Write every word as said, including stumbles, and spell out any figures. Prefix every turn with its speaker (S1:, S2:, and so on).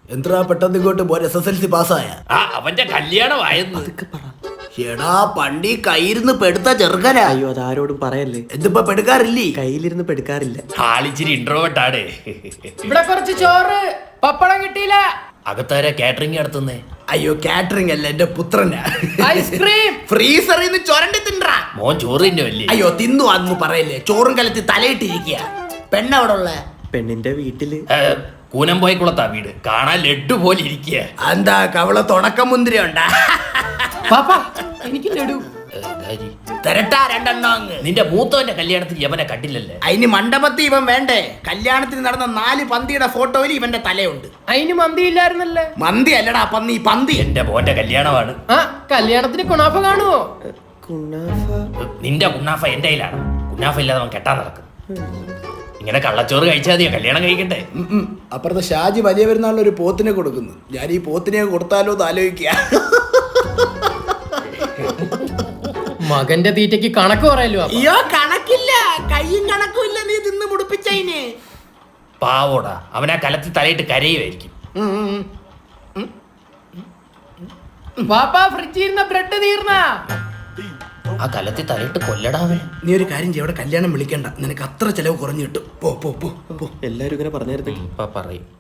S1: എന്താ പെട്ടെന്ന് ഇങ്ങോട്ട് പോരെ? എസ് എസ് എൽ സി പാസ്സായ
S2: ആ അവന്റെ കല്യാണമായിരുന്നു.
S1: എടാ പണ്ടി കയ്യിരുന്ന് പെടുത്ത ചെറുക്കനാ.
S3: അയ്യോ അതാരോടും പറയല്ലേ.
S1: എന്തിപ്പോ പെടുക്കാറില്ലേ?
S3: കയ്യിലിരുന്ന് പെടുക്കാറില്ല.
S2: ആളിച്ചിരി ഇൻട്രോവേർട്ടാണ്.
S4: ഇവിടെ കുറച്ച് ചോറ് പപ്പടം കിട്ടിയില്ല.
S2: അകത്താര കാറ്ററിംഗ് നടത്തുന്നേ?
S1: അയ്യോ കാറ്ററിംഗ് അല്ല, എന്റെ പുത്രനാ.
S4: ഐസ്ക്രീം
S1: ഫ്രീസറിൽ നിന്ന് ചൊരണ്ടി തിണ്ടാ.
S2: മോൻ ചോറ് തിന്നുമല്ലേ?
S1: അയ്യോ തിന്നു അന്ന് പറയല്ലേ. ചോറും കലത്തി തലയിട്ടിരിക്കുക. പെണ്ണവിടെ ഉള്ള
S3: പെണ്ണിന്റെ വീട്ടില്.
S2: കൂനം പോയി കുളത്താ വീട്. കാണാൻ ലഡു പോലെ ഇരിക്കുക.
S1: എന്താ കവള തുടക്കം മുന്തിരി ഉണ്ടാ?
S4: പാപ്പ എനിക്ക് ലഡു
S1: തരട്ടാ രണ്ടെണ്ണം അങ്ങ്.
S2: നിന്റെ മൂത്തവന്റെ കല്യാണത്തിന് യവനെ കണ്ടില്ലല്ലേ?
S1: അതിന് മണ്ഡപത്തിൽ ഇവൻ വേണ്ടേ? കല്യാണത്തിന് നടന്ന നാല് പന്തിയുടെ ഫോട്ടോയിൽ ഇവന്റെ തലയുണ്ട്.
S4: അതിന് മന്തി ഇല്ലായിരുന്നല്ലേ?
S1: മന്തി അല്ലടാ പന്നി, പന്തി.
S2: എന്റെ മോന്റെ കല്യാണമാണ്.
S4: ആ കല്യാണത്തിന് കുണാഫ കാണുവോ?
S3: കുണാഫ?
S2: നിന്റെ കുന്നാഫ എന്റെ കയ്യിലാണ്. കുന്നാഫ ഇല്ലാതെ അവൻ കെട്ടാൻ നടക്കും. ഇങ്ങനെ കള്ളച്ചോറ് കഴിച്ചാൽ മതിയോ കല്യാണം കഴിക്കണ്ടേ?
S1: അപ്പുറത്തെ ഷാജി വലിയ പെരുന്നാളിന് ഒരു പോത്തിനെ കൊടുക്കുന്നു. ഞാൻ ഈ പോത്തിനെ കൊടുത്താലോ എന്ന് ആലോചിക്കുക.
S4: മകന്റെ തീറ്റയ്ക്ക് കണക്ക് പറയല്ലോ.
S1: അയ്യോ കണക്കില്ല, കയ്യും കണക്കും ഇല്ല. നീ തിന്ന് മുടിപ്പിച്ചതിന്
S2: പാവോടാ. അവനാ കലത്തി തലയിട്ട് കരയുമായിരിക്കും.
S4: പാപ്പ ഫ്രിഡ്ജിൽ ഇരുന്ന ബ്രെഡ് തീർന്ന.
S2: ആ കലത്തി തലയിട്ട് കൊല്ലടാവേ.
S1: നീ ഒരു കാര്യം ചെയ്യ, അവിടെ കല്യാണം വിളിക്കണ്ട. നിനക്ക് അത്ര ചെലവ് കുറഞ്ഞു കിട്ടും. പോ പോ പോ.
S3: എല്ലാരും ഇങ്ങനെ പറഞ്ഞായിരുന്നു.
S2: ഇപ്പൊ പറയും.